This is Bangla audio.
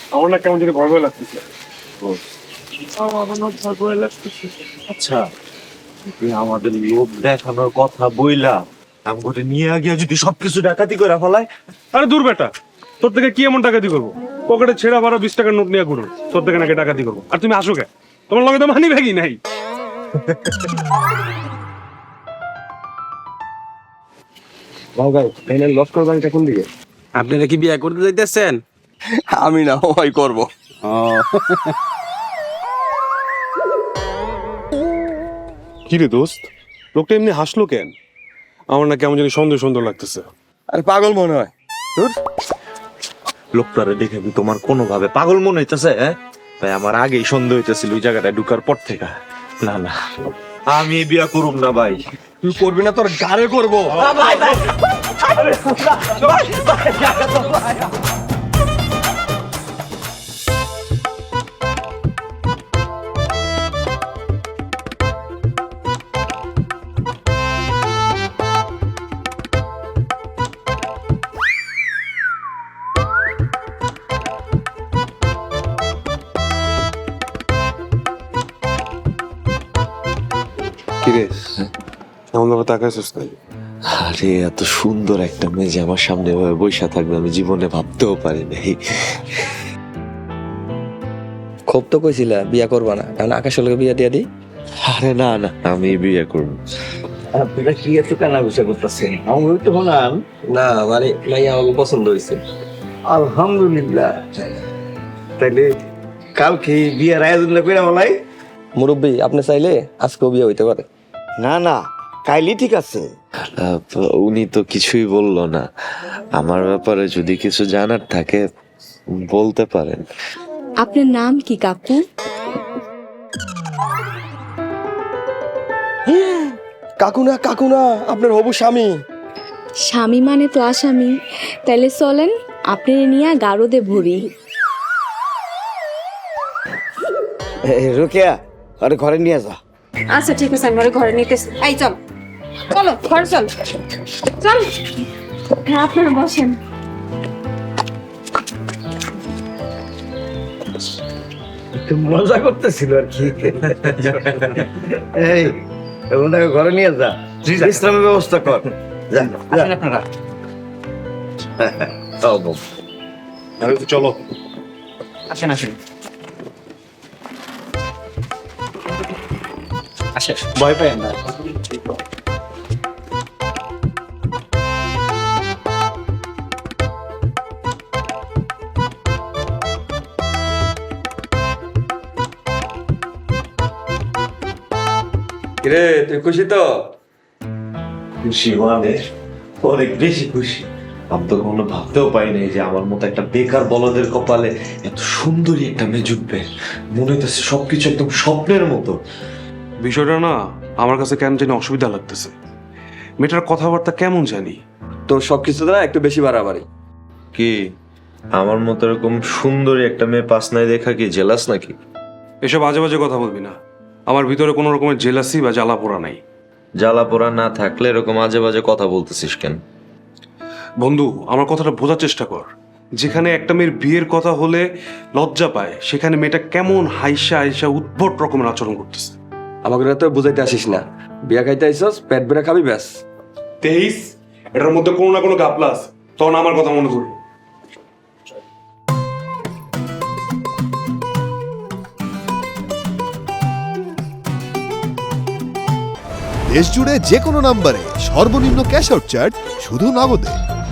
আমার না কেমন যদি ভয় ভয় লাগতেছে। আচ্ছা, তুই আমাদের লোভ দেখানোর কথা বইলা আমাকে নিয়ে গিয়ে যদি সবকিছু ডাকাতি করে ফেলায়। আরে দূর বেটা, তোর থেকে কি এমন ডাকাতি করবো? পকেটে ছেঁড়া ভাড়া 20 টাকার নোট নিয়ে ঘুরো, তোর থেকে নাকি ডাকাতি করবো? আর তুমি আসো কে? তোমার লগে তো মানি ব্যাগই নাই। আপনারা কি বিয়ে করতে যাইতেছেন? আমি না, ওই করবো। কি রে দোস্ত, লোকটা এমনি হাসলো কেন? আমার না কেমন জানি সুন্দর সুন্দর লাগতেছে। আরে পাগল মনে হয়। লোকটারে দেখে কি তোমার কোনোভাবে পাগল মনে হইতেছে? তাই আমার আগেই সন্দেহ হইতেছিল ওই জায়গাটায় ঢুকার পর থেকে। না না, আমি বিয়া করুম না ভাই। তুই করবি না, তোর গাড়ে করবো। কি রে, এমন ভাবে তাকাইছিস না? আরে এত সুন্দর একটা মেয়ে যে আমার সামনে এভাবে বইসা থাকবে আমি জীবনে ভাবতেও পারি নাই। খুব তো কইছিলা বিয়া করবা না, কারণ আকাশের লোকে বিয়া দিয়া দিই। আরে না না, আমি বিয়ে করব। আপনারা কি এত কানা গুছা করতেছেন? আমার তো হলাম না মানে মাইয়া আমাকে পছন্দ হয়েছে। আলহামদুলিল্লাহ। তাইলে কালকে বিয়ের আয়োজন করে বলাই। মুরব্বী, আপনি চাইলে আজকেও বিয়ে হইতে পারে। না না, কাইলি ঠিক আছে। উনি তো কিছুই বললো না। আমার ব্যাপারে যদি কিছু জানার থাকে বলতে পারেন। আপনার নাম কি কাকু? কাকু না, কাকু না, আপনার হবু স্বামী। স্বামী মানে তো আসামি। তাইলে চলেন আপনি নিয়ে গারদে ভরি। রোকেয়া, আরে ঘরে নিয়ে যা। আচ্ছা ঠিক আছে, আমি ওরে ঘরে নিতেছি। এই চল, চলো ঘরে চল, চল। হ্যাঁ, আপনারা বসেন। একটু মজা করতেছিল আর কি। এই ওনাকে ঘরে নিয়ে যা, বিশ্রামের ব্যবস্থা কর। যা আপনারা। চলো আসেন আসেন। আসেন, ভয় পাই না। কিরে, তুই খুশি তো? খুশি মানে অনেক বেশি খুশি। আমি তো কখনো ভাবতেও পারি নাই যে আমার মতো একটা বেকার বলদের কপালে এত সুন্দরী একটা মেয়ে জুটবে। মনে হইতেছে সবকিছু একদম স্বপ্নের মতো। বিষয়টা না আমার কাছে কেন জানি অসুবিধা লাগতেছে। মেয়েটার কথাবার্তা কেমন জানি। তোর সবকিছু দ্বারা একটু বেশি বাড়াবাড়ি। কি আমার মতো এরকম সুন্দরী একটা মেয়ে পাস নাই দেখা কি জেলাস নাকি? এসব আজে বাজে কথা বলবি না। আমার ভিতরে কোনো রকমের জেলাসি বা জ্বালা পোড়া নাই। জ্বালা পোড়া না থাকলে এরকম আজে বাজে কথা বলতেছিস কেন? বন্ধু, আমার কথাটা বোঝার চেষ্টা কর। যেখানে একটা মেয়ের বিয়ের কথা হলে লজ্জা পায়, সেখানে মেয়েটা কেমন হাইসা হাইসা উদ্ভট রকমের আচরণ করতেছে। আমাকে তো বুঝাইতে আসিস না। বিয়া খাইতে আইসস, পেট বেড়ে খাবি ব্যাস। 23 এটার মধ্যে কোনো না কোনো গাপলা আছে, তখন আমার কথা মনে করবি। দেশ জুড়ে যে কোনো নম্বরে সর্বনিম্ন ক্যাশ আউট চার্জ শুধু নগদে।